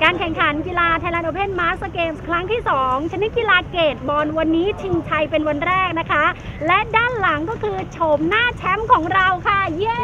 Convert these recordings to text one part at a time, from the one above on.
การแข่งขันกีฬา Thailand Open Master Games ครั้งที่ 2 ชนิดกีฬาเกตบอลวันนี้ชิงชัยเป็นวันแรกนะคะและด้านหลังก็คือโฉมหน้าแชมป์ของเราค่ะเย้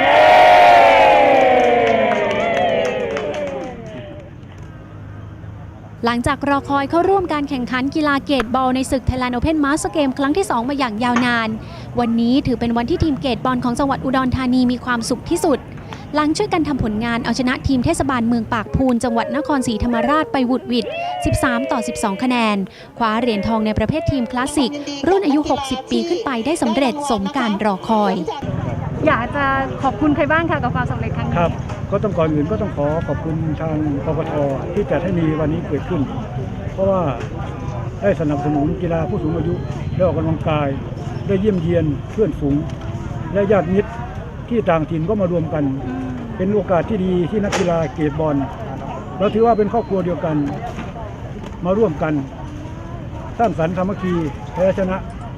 หลังจากรอคอยเข้าร่วมการแข่งขันกีฬาเกตบอลในศึก Thailand Open Master Game ครั้งที่ 2 มาอย่างยาวนานวันนี้ถือเป็นวันที่ทีมเกตบอลของจังหวัดอุดรธานีมีความสุขที่สุดหลังช่วยกันทำผลงานเอาชนะทีมเทศบาลเมืองปากพูนจังหวัดนครศรีธรรมราชไปหวุดหวิด13-12 คะแนนคว้าเหรียญทองในประเภททีมคลาสสิกรุ่นอายุ 60 ปีขึ้นไปได้สำเร็จสมการรอคอยอยากจะขอบคุณใครบ้างคะกับความสำเร็จครั้งนี้ครับก็ต้องก่อนอื่นก็ต้องขอบคุณทางกกท.ที่จัดให้มีวันนี้เกิดขึ้นเพราะว่าได้สนับสนุนกีฬาผู้สูงอายุได้ออกกำลังกายได้เยี่ยมเยียนเพื่อนฝูงและญาติมิตรที่ต่างถิ่นก็มารวมกันเป็นโอกาสที่ดีที่นักกีฬาเกตบอลเราถือว่าเป็นครอบครัวเดียวกันมาร่วมกันสร้างสรรค์สามัคคีแพ้ชนะ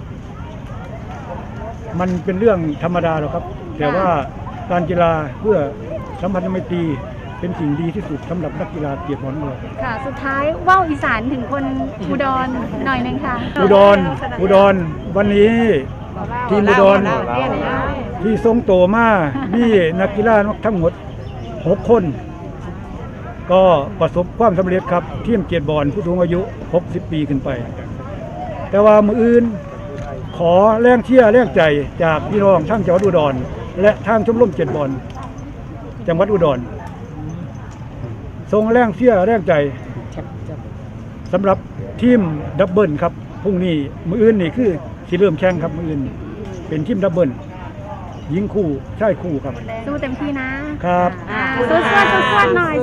มันเป็นเรื่องธรรมดาหรอกครับแต่ว่าการกีฬาเพื่อสัมพันธไมตรีเป็นสิ่งดีที่สุดสำหรับนักกีฬาเกตบอลเราค่ะสุดท้ายว่าวอีสานถึงคนอุดรหน่อยนึงค่ะอุดรวันนี้ทีมอุดรที่ทรงโตมามีนักกีฬาทั้งหมด6 คนก็ประสบความสำเร็จครับทีมเกตบอลผู้สูงอายุ60 ปีขึ้นไปแต่ว่ามืออื่นขอแรงเชียร์แรงใจจากพี่น้องทั้งจังหวัดอุดรและทางชมรมเกตบอลจังหวัดอุดรส่งแรงเชียร์แรงใจสำหรับทีมดับเบิลครับพรุ่งนี้มืออื่นนี่คือสิเริ่มแข่งครับมืออื่นเป็นทีมดับเบิลยิงคู่ชายคู่ครับสู้เต็มที่นะครับสู้หน่อย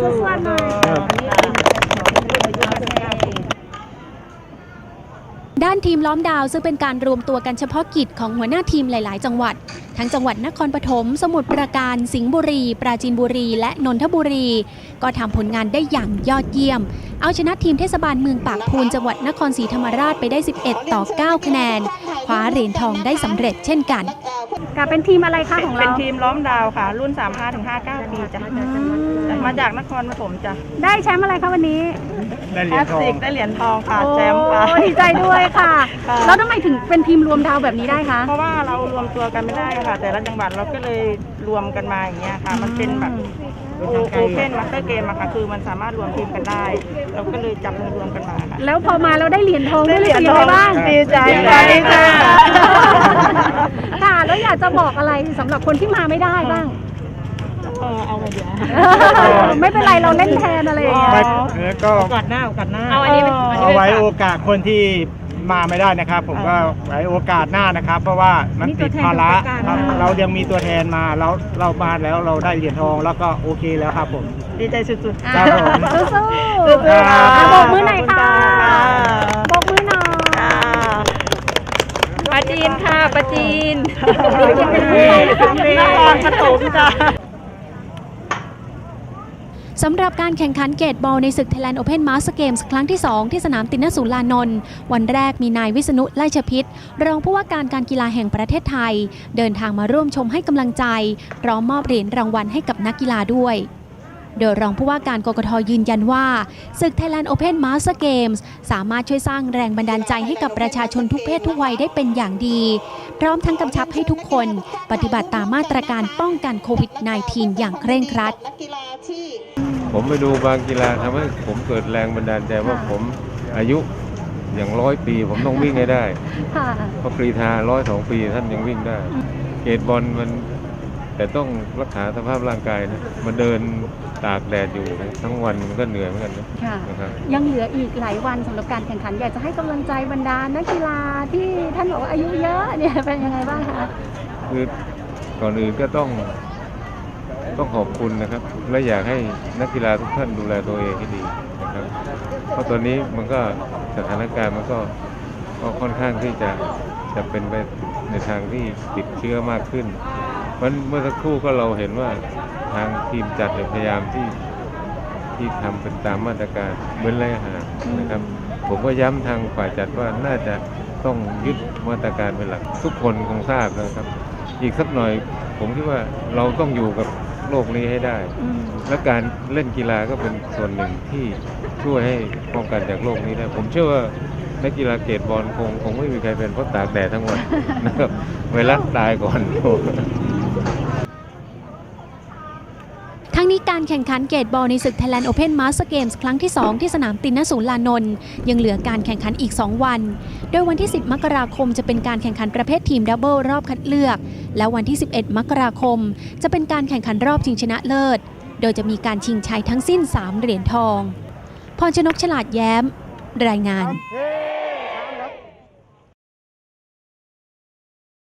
ด้านทีมล้อมดาวซึ่งเป็นการรวมตัวกันเฉพาะกิจของหัวหน้าทีมหลายๆจังหวัดทั้งจังหวัดนครปฐมสมุทรปราการสิงห์บุรีปราจีนบุรีและนนทบุรีก็ทำผลงานได้อย่างยอดเยี่ยมเอาชนะทีมเทศบาลเมืองปากพูนจังหวัดนครศรีธรรมราชไปได้11-9 คะแนนคว้าเหรียญทองได้สำเร็จเช่นกันกับเป็นทีมอะไรคะของเราเป็นทีมล้อมดาวค่ะรุ่น 35-59 ปีจ้ะมาจากนครปฐมจ้ะได้แชมป์อะไรคะวันนี้ได้เหรียญทองได้เหรียญทองค่ะแชมป์ค่ะดีใจด้วยค่ะแล้วทำไมถึงเป็นทีมรวมดาวแบบนี้ได้คะเพราะว่าเรารวมตัวกันไม่ได้ค่ะแต่ละจังหวัดเราก็เลยรวมกันมาอย่างเงี้ยค่ะมันเป็นแบบโอเพนมาสเตอร์เกมอะค่ะคือมันสามารถรวมทีมกันได้เราก็เลยจับมือรวมกันมาค่ะแล้วพอมาเราได้เหรียญทองได้เหรียญทองบ้างดีใจค่ะค่ะแล้วอยากจะบอกอะไรสำหรับคนที่มาไม่ได้บ้างเอาไปเดี๋ยวไม่เป็นไรเราเล่นแทนอะไรอย่างเงี้ยแล้วก็โอกาสหน้าเอาไว้โอกาสคนที่มาไม่ได้นะครับผมก็ไว้โอกาสหน้านะครับเพราะว่ามันติดภาระครับเรายังมีตัวแทนมาแล้วเรามาแล้วเราได้เหรียญทองแล้วก็โอเคแล้วครับผมดีใจสุดๆครับผมสู้ๆบอกมือหน่อยค่ะบอกมือหน่อยปาจีนค่ะปาจีนนครปฐมจ้ะสำหรับการแข่งขันเกตบอลในศึก Thailand Open Master Games ครั้งที่ 2 ที่สนามตินสุรานนท์วันแรกมีนายวิษณุไล่ชพิษรองผู้ว่าการกีฬาแห่งประเทศไทยเดินทางมาร่วมชมให้กำลังใจพร้อมมอบเหรียญรางวัลให้กับนักกีฬาด้วยโดยรองผู้ว่าการกกท.ยืนยันว่าศึก Thailand Open Master Games สามารถช่วยสร้างแรงบันดาลใจให้กับประชาชนทุกเพศทุกวัยได้เป็นอย่างดีพร้อมทั้งกำชับให้ทุกคนปฏิบัติตามมาตรการป้องกันโควิด -19 อย่างเคร่งครัดผมไปดูบางกีฬาทำให้ผมเกิดแรงบันดาลใจว่าผมอายุอย่าง100 ปีผมต้องวิ่งให้ได้เพราะกรีฑา102 ปีท่านยังวิ่งได้เกตบอลมันแต่ต้องรักษาสภาพร่างกายนะมาเดินตากแดดอยู่ทั้งวันมันก็เหนื่อยเหมือนกันนะครับยังเหลืออีกหลายวันสำหรับการแข่งขันอยากจะให้กำลังใจบรรดานักกีฬาที่ท่านบอกว่าอายุเยอะเนี่ยเป็นยังไงบ้างคะคือก่อนอื่นก็ต้องขอบคุณนะครับและอยากให้นักกีฬาทุกท่านดูแลตัวเองให้ดีนะครับเพราะตอนนี้มันก็สถานการณ์มันก็ค่อนข้างที่จะเป็นไปในทางที่ติดเชื้อมากขึ้นเมื่อสักครู่ก็เราเห็นว่าทางทีมจัดพยายามที่ทำเป็นตามมาตรการเว้นระยะห่างนะครับผมก็ย้ำทางฝ่ายจัดว่าน่าจะต้องยึดมาตรการเป็นหลักทุกคนคงทราบนะครับอีกสักหน่อยผมคิดว่าเราต้องอยู่กับโลกนี้ให้ได้ และการเล่นกีฬาก็เป็นส่วนหนึ่งที่ช่วยให้ป้องกันจากโรคนี้ได้ผมเชื่อว่านักกีฬาเกตบอลคงไม่มีใครเป็นเพราะตากแดดทั้งวัน นะครับไวรัสตายก่อนทั้งนี้การแข่งขันเกตบอลในศึก Thailand Open Master Games ครั้งที่ 2 ที่สนามตินนศูนย์ลานนท์ยังเหลือการแข่งขันอีก 2 วัน โดยวันที่ 10 มกราคมจะเป็นการแข่งขันประเภททีมดับเบิลรอบคัดเลือก และวันที่ 11 มกราคมจะเป็นการแข่งขันรอบชิงชนะเลิศ โดยจะมีการชิงชัยทั้งสิ้น 3 เหรียญทอง พรชนก ฉลาดแย้ม รายงานเฮ้